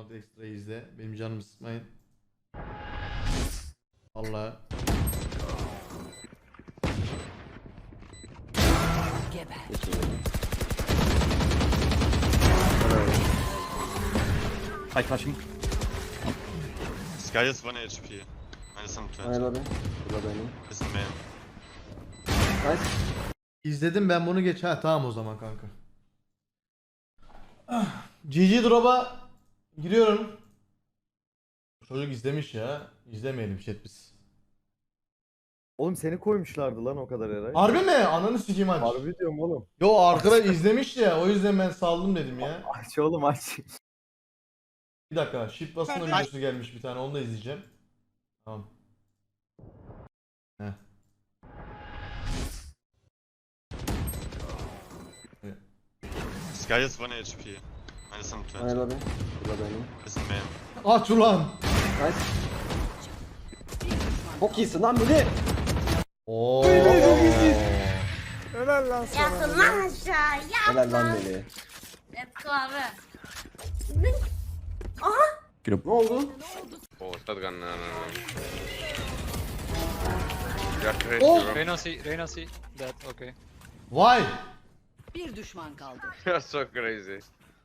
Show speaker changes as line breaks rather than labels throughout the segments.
round extra izle. Benim canımı sıkmayın. Allah.
Hi, flashing.
Sky is 1 HP. Minus 120.
Hayır abi. Burada benim.
Is the main.
Nice.
İzledim ben bunu geç. Ha tamam o zaman kanka. GG Drop'a giriyorum. Çocuk izlemiş ya. İzlemeyelim chat biz.
Oğlum seni koymuşlardı lan o kadar Eray.
Harbi mi? Ananı sikeyim aç.
Harbi diyorum oğlum.
Yo arkadaş izlemiş ya. O yüzden ben saldım dedim ya.
Aç oğlum aç.
Bir dakika. Shift basında videosu gelmiş bir tane. Onu da izleyeceğim. Tamam. Heh.
Sky is 1 HP. Minus 120.
Hayır abi. Burada benim.
Is the main.
Aç ulan.
Nice. Çok iyisin lan Mili.
Oo.
Helal lan
Yatın lan aşağı yat.
Helal lan Mili.
Let's go abi.
Ne oldu?
Oh, shotgun. No. You're crazy,
Oh!
bro.
Reyna C, dead, okay.
Vay.
Bir düşman kaldı.
You're so crazy.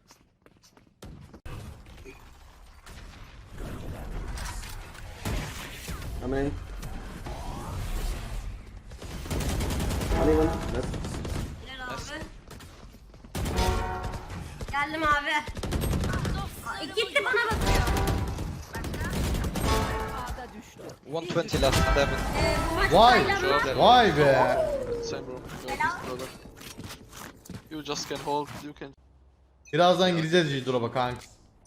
Hemen. Hadi lan. Nice.
Gel abi. Geldim abi. Aa, gitti bana bakıyor.
A'da düştü.
120 last, Devin.
Bu maç
Vay.
saylanmaz.
Vay be.
Same bro.
Helal.
You just can hold, you can...
Birazdan gireceğiz GG Drop'a kanka.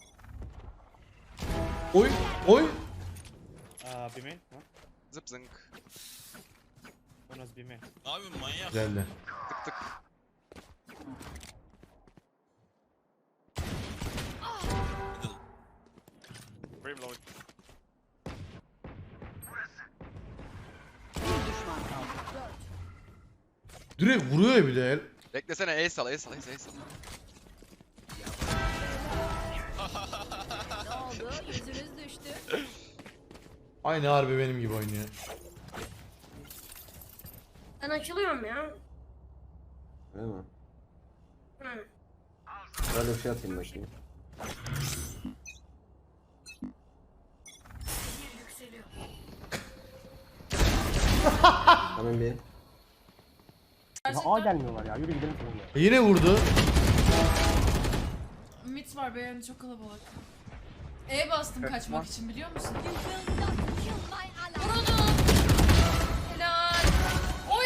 Oy. Oy.
B-main? No?
Zip zinc.
One was B-main.
Güzeldi.
Tık tık.
Brave low.
Bir düşman kaldı.
Direkt vuruyor ya bir de el.
Beklesene, ace al, ace al, ace al.
Ne oldu? Yüzünüz düştü.
Aynı harbi benim gibi oynuyor.
Ben açılıyorum ya.
Öyle mi?
Hı.
Böyle bir şey atayım ben şimdi. Hemen bir.
A gelmiyorlar ya. Yürü gidelim sonra.
Yine vurdu.
Mit var beğendi çok kalabalık. E bastım kaçmak için biliyor musun? Vuruldu. Helal. Oy.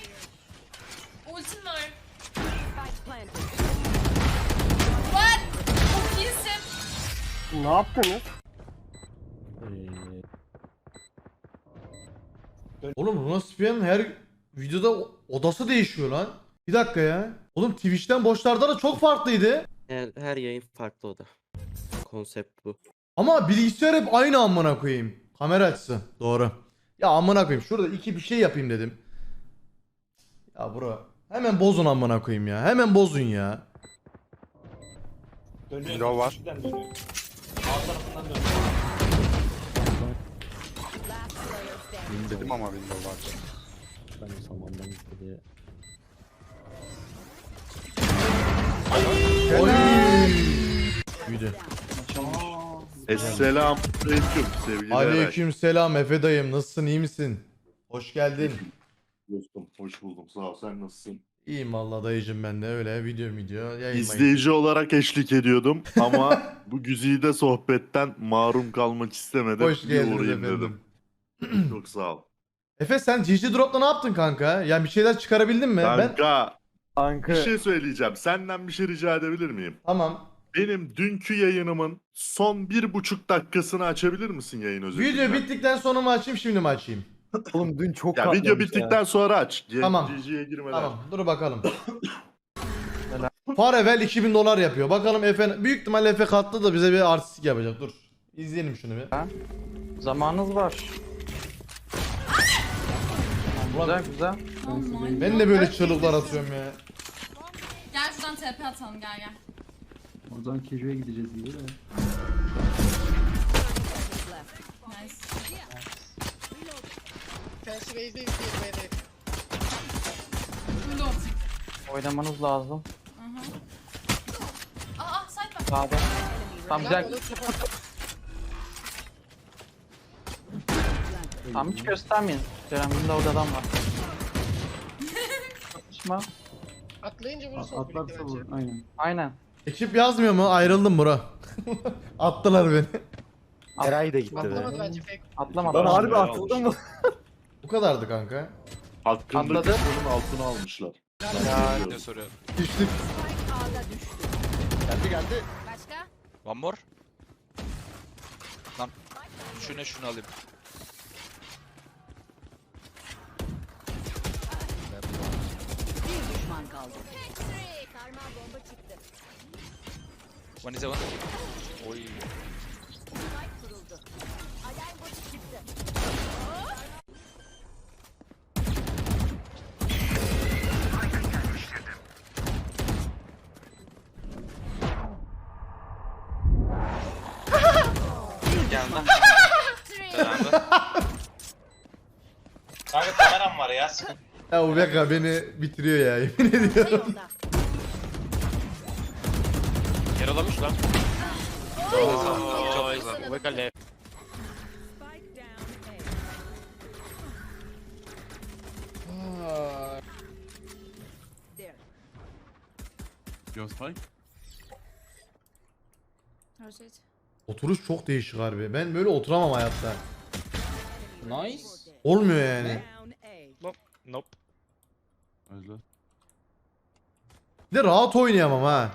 Ultim var.
Spike planted.
What? Çok iyisin.
Ne yaptınız?
Oğlum Runaspia'nın her videoda odası değişiyor lan. Bir dakika ya. Oğlum Twitch'ten boşlarda da çok farklıydı.
Her yayın farklı o da. Konsept bu.
Ama bilgisayar hep aynı amına koyayım. Kamera açısı. Doğru. Ya amına koyayım. Şurada iki bir şey yapayım dedim. Ya bro. Hemen bozun amına koyayım ya. Hemen bozun ya.
Window var.
Last player standing.
Dedim ama window var.
Ben samandan istedi.
Oy. Büyüdü.
Selamünaleyküm sevgili
Aleyküm selam Efe dayım. Nasılsın? İyi misin? Hoş geldin.
dostum. Hoş buldum. Sağ ol. Sen nasılsın?
İyiyim vallahi dayıcım ben de öyle video yayınlayın.
İzleyici olarak eşlik ediyordum ama bu güzide sohbetten mahrum kalmak istemedim.
Hoş
Bir
geldiniz
uğrayayım
efendim.
dedim. Çok sağ ol.
Efe sen GG Drop'ta ne yaptın kanka? Yani bir şeyler çıkarabildin mi? Ben
Kanka
Anka.
bir şey söyleyeceğim. Senden bir şey rica edebilir miyim?
tamam.
Benim dünkü yayınımın son 1,5 dakikasını açabilir misin yayın özelinde?
Video bittikten sonra mı açayım şimdi mi açayım?
Oğlum dün çok
Ya
katlamış
video bittikten sonra aç.
Tamam.
GG'ye girmeden.
Tamam dur bakalım. Farevel 2000 dolar yapıyor. Bakalım Efe büyük ihtimalle Efe katlı da bize bir artistik yapacak. Dur. İzleyelim şunu bir.
Zamanınız var.
Ulan
Güzel.
ben de böyle çığlıklar atıyorum ya.
Gel şuradan TP atalım gel gel.
O zaman Kijo'ya gideceğiz gibi de.
Nice. Window optik.
Oynamanız lazım.
Side bak.
Sağda. Tam güzel. Tam hiç göstermeyin. Ceren Windows'da adam var. Atışma.
Atlarsa vur. Aynen.
Aynen.
Ekip yazmıyor mu? Ayrıldım bro. Attılar beni.
Eray da gitti be.
Atlamadı.
Lan harbi atıldın mı?
Bu kadardı kanka.
Hakkındaki
Atladı.
bunun altına almışlar.
Ya ne soruyorum.
Düştük.
Ağda düştü.
Geldi.
Başka?
One more. Lan. Şunu alayım.
Bir düşman kaldı. Sarmal bomba çıktı.
One is a one. Oy.
Spike kuruldu. Alarm botu çıktı.
Geldi.
Kanka kameram var ya. Sıkıntı.
Ya Ubeka beni bitiriyor ya yemin ediyorum.
Yolda.
Yaralamış lan. Çok güzel. Ubekale.
Spike down A. There.
Rotate.
Oturuş çok değişik harbi. Ben böyle oturamam hayatta.
Nice.
Olmuyor yani.
Down A.
Nope.
Bir de rahat oynayamam ha.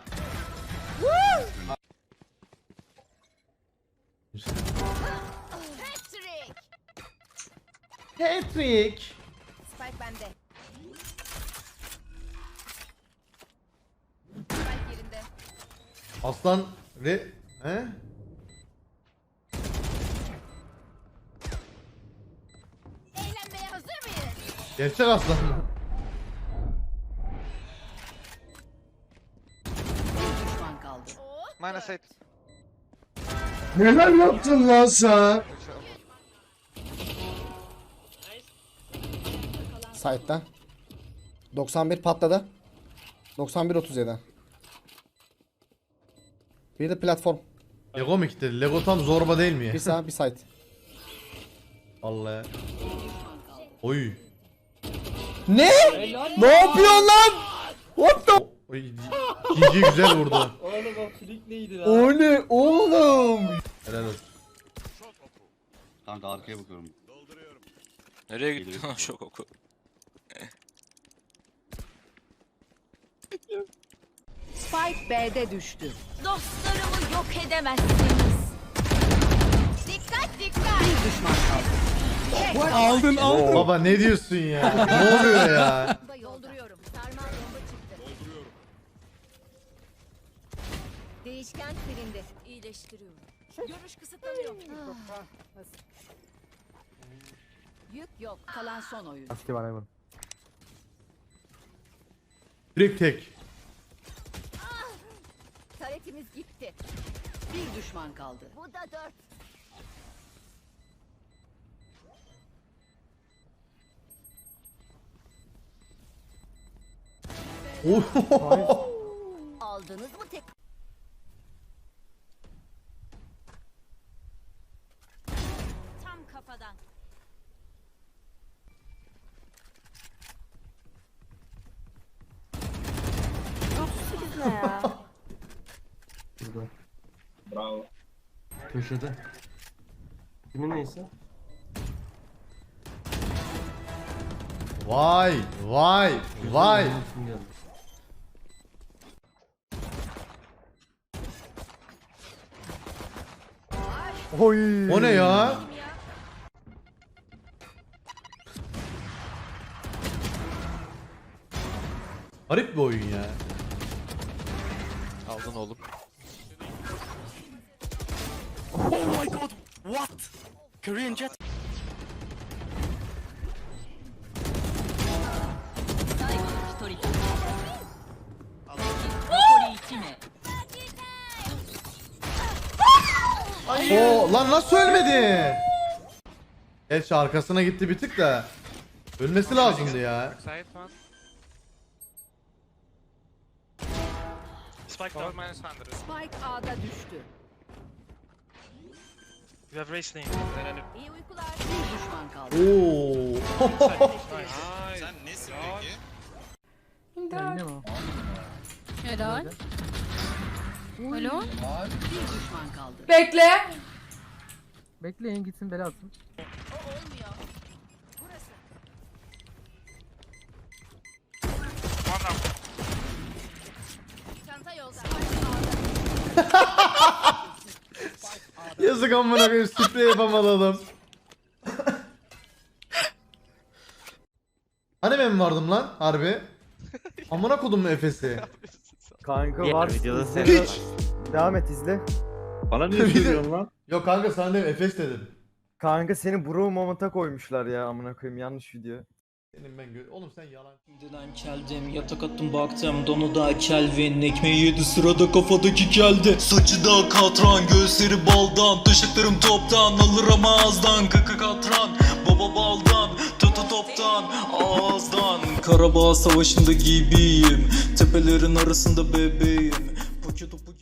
Patrick.
Patrick.
Spike bende. Spike yerinde.
Aslan He?
Eğlenmeye hazır mıyız?
Gerçek aslan mı?
Bir düşman kaldı.
Minus 8.
Neler yaptın lan sen?
Side'den. 91 patladı. 91-37. Bir de platform.
Lego mu kitledi? Lego tam zorba değil mi ya?
Bir sağ bir side.
Vallahi. Oy.
Ne? Ne yapıyorsun lan? What the?
Oy. GG güzel vurdu.
O ne oğlum?
Helal olsun.
Kanka arkaya bakıyorum.
Nereye gitti lan şok oku?
Spike B'de düştü.
Dostlarımı yok edemezsiniz.
Dikkat dikkat. Bir düşman kaldı.
Aldın aldın.
Baba ne diyorsun ya? Ne oluyor ya?
Dolduruyorum. Sarmal bomba çıktı. Dolduruyorum. Değişken silindi.
İyileştiriyorum.
Görüş kısıtlanıyor. Yük yok. Kalan son oyun.
Aski var hayvan.
Direkt tek.
Taretimiz gitti. Bir düşman kaldı. Bu da 4. Aldınız mı tek?
Tam kafadan.
Bravo. Köşede. Kimin neyse?
Vay vay vay.
Kim geldi?
Oy.
O ne ya? Garip bir oyun ya.
Aldın oğlum.
O lan nasıl ölmedi? Gerçi arkasına gitti bir tık da. Ölmesi lazımdı ya.
Side one.
Spike
Cover
down.
minus 100.
Spike A'da düştü.
You have race lane.
İyi uykular. Bir düşman kaldı.
Oo.
Sen nesin peki?
Helal. Alo.
Bir düşman kaldı.
Bekle.
Bekleyin gitsin bela atsın.
One up.
Çanta yolda.
Yazık amına koyayım, sprey yapamadı adam. Hani ben vardım lan harbi? Amına kodum mu Efes'i?
Kanka
Diğer
var.
videoda
izle.
sen-
Devam et izle.
Bana niye söylüyorsun lan?
Yok kanka sana dedim Efes dedim.
Kanka seni bro moment'a koymuşlar ya amına koyayım yanlış video.
Senin ben oğlum sen yalan.
Şimdiden keldim, yatak attım baktım, donu da Kelvin, ekmeği yedi sırada kafadaki keldi. Saçı da katran, gözleri baldan, taşaklarım toptan, alır ama ağızdan, kaka katran, baba baldan, tata toptan, ağızdan. Karabağ savaşında gibiyim, tepelerin arasında bebeğim, poçu topu